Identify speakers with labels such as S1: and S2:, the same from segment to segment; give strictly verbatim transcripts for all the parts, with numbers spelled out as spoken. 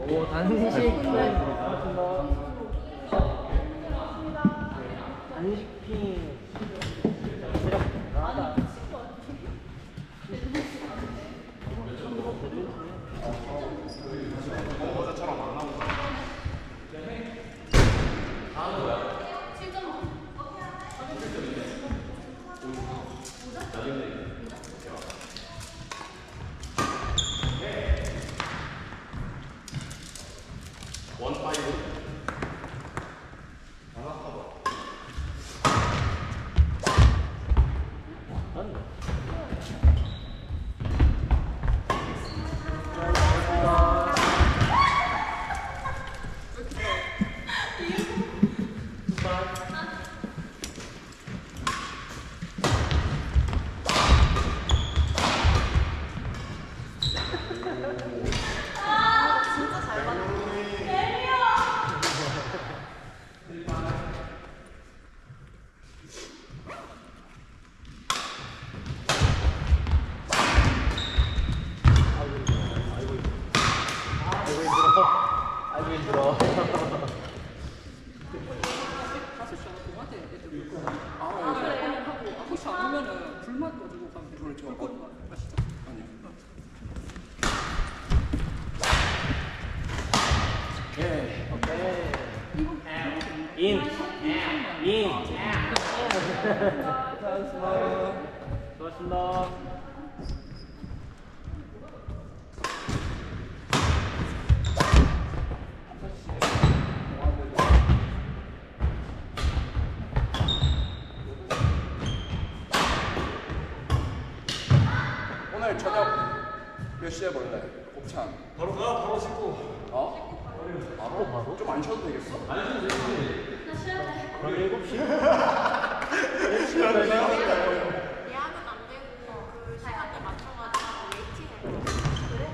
S1: 오, 단식. 단식핑.
S2: 어제처럼 안 나오고. 원 파이브.
S1: 아이고 힘들어.
S3: 아, 그래요? 하고 혹시 안 하면은 불만 가지고 가면 돼. 그렇죠. 불꽃 아시죠? 아니요.
S1: 예. 오케이. 인. 인. 수고하셨습니다. 수고하셨습니다.
S2: 오늘 저녁 몇 시에 볼래? 곱창.
S4: 바로 가, 바로 씻고.
S2: 어?
S1: 바로 바로?
S2: 좀 안 쉬어도 되겠어?
S1: 그럼 일곱 시?
S5: 예약은 안 되고 그 시간대 맞춰가지고 웨이팅해.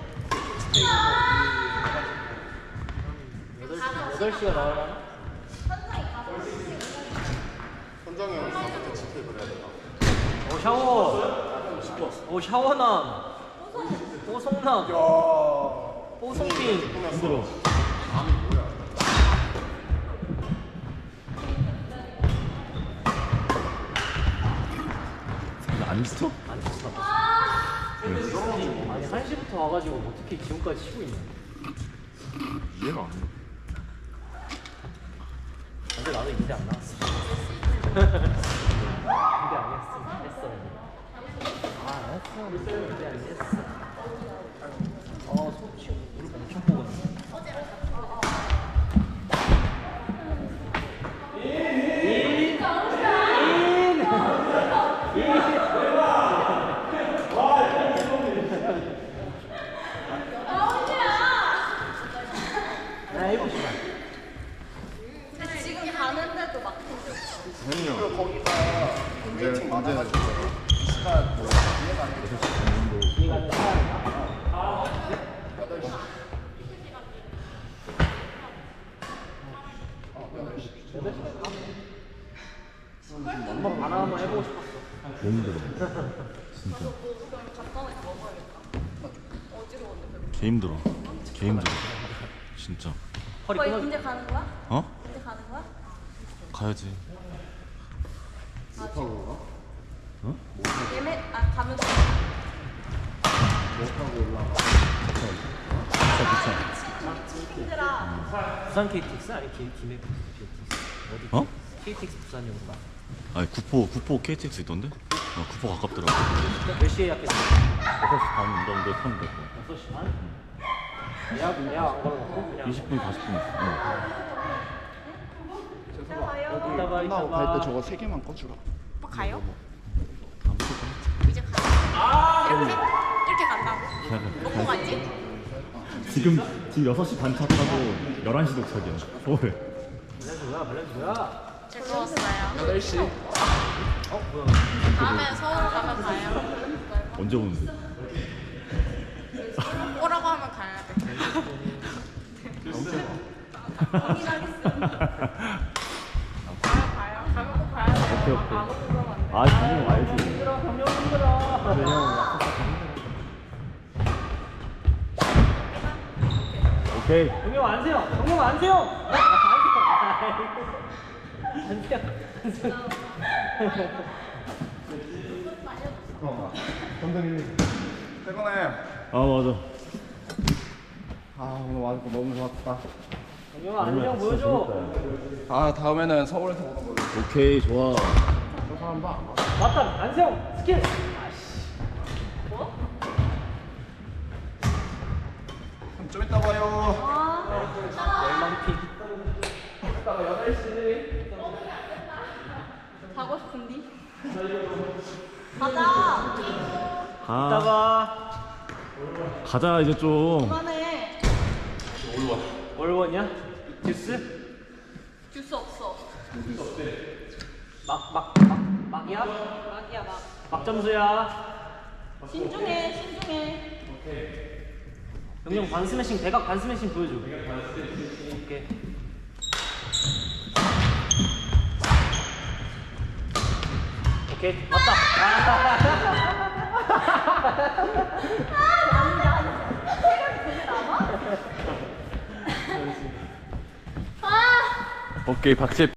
S5: 그래?
S1: 여덟 시가 나와라.
S2: 선정이 형 가서 대치페이 그래야 되나?
S1: 오, 샤워. 오, 샤워남. 뽀송남. 뽀송빈.
S2: 힘들어.
S4: 안 스톱?
S1: 안 쳤어. 아니, 한 시부터 와가지고 어떻게 지금까지 쉬고 있냐.
S4: 이해가 안 돼.
S1: 근데 나도 인대 안 나왔어. 인대 안 했어. 했어. 아, 했어. 인대 안 했어. 어, 소치 무릎 엄청 뽀근해.
S5: 지금 가는데도 막
S4: 혜민이 형.
S2: 그리고 거기가 웨이팅 많아가지고 이 시간 뭐 이해가 안 돼. 여덟 시.
S1: 한번 바나 한번 해보고 싶었어.
S4: 너무 힘들어. 진짜. 개 힘들어. 개 힘들어. 진짜.
S1: 허리
S5: 거의
S1: 끊어.
S5: 군대 가는 거야?
S4: 어?
S5: 군대 가는 거야?
S4: 가야지.
S5: 예매 아 가면 돼. 힘들어.
S1: 부산 케이티엑스 아니 기, 김해 케이티엑스 어디?
S4: 어?
S1: 케이티엑스 부산이었나?
S4: 아니 구포 구포 케이티엑스 있던데? 어 구포 가깝더라고.
S1: 몇 시에 예약했어?
S4: 여섯 시 반 정도에 타면 될 거야.
S1: 여섯 시 반? 예약 예약 안 걸어놓고 그냥
S4: 이십 분 사십 분 있어.
S2: 재석아 여기
S1: 이따 봐, 이따
S2: 끝나고
S1: 봐.
S2: 갈 때 저거 세 개만 꺼주라.
S5: 오빠 가요?
S4: 다음 주
S5: 이제 가. 이렇게 이렇게 간다고? 먹고 가지?
S4: 지금 지금 여섯 시 반 차 타고 열한 시 도착이야. 서울에.
S1: 밸런스 뭐야 밸런스 뭐야?
S5: 즐거웠어요.
S2: 여덟 시.
S5: 다음에 서울 가면 가요.
S4: 언제 오는데?
S5: 오라고 하면 가야 돼. 가요 가요. 가면 꼭 가야 돼.
S4: 오케이 오케이.
S5: 안 오고 그러면 안 돼.
S4: 아 당연히 와야지.
S1: 힘들어 경력 힘들어.
S4: 그래 형 약속할 때 힘들어. 오케이 오케이.
S1: 동영 안세요. 동영 안세요. 안세요. 안세요.
S2: 어. 감독님. 퇴근해.
S4: 아 맞아.
S2: 아 오늘 와서 너무 좋았다.
S1: 동영 안세요 보여줘.
S2: 아 다음에는 서울에서 보는 걸로.
S4: 오케이 좋아.
S2: 저 사람 봐.
S1: 맞다. 안세요. 스킬. 아씨.
S2: 좀 이따 봐요.
S1: 열망픽.
S5: 자고 싶은디? 가자.
S4: 가.
S1: 이따가
S4: 가자 이제 좀.
S5: 그만해.
S1: 월원이야? 듀스?
S5: 줄 수 없어.
S1: 막 막 막 막이야?
S5: 막이야 막.
S1: 막 점수야.
S5: 신중해 신중해.
S1: 영영 반 스매싱 대각 반 스매싱 보여줘. 오케이. 오케이 맞다.
S5: 아.
S4: 오케이 박재.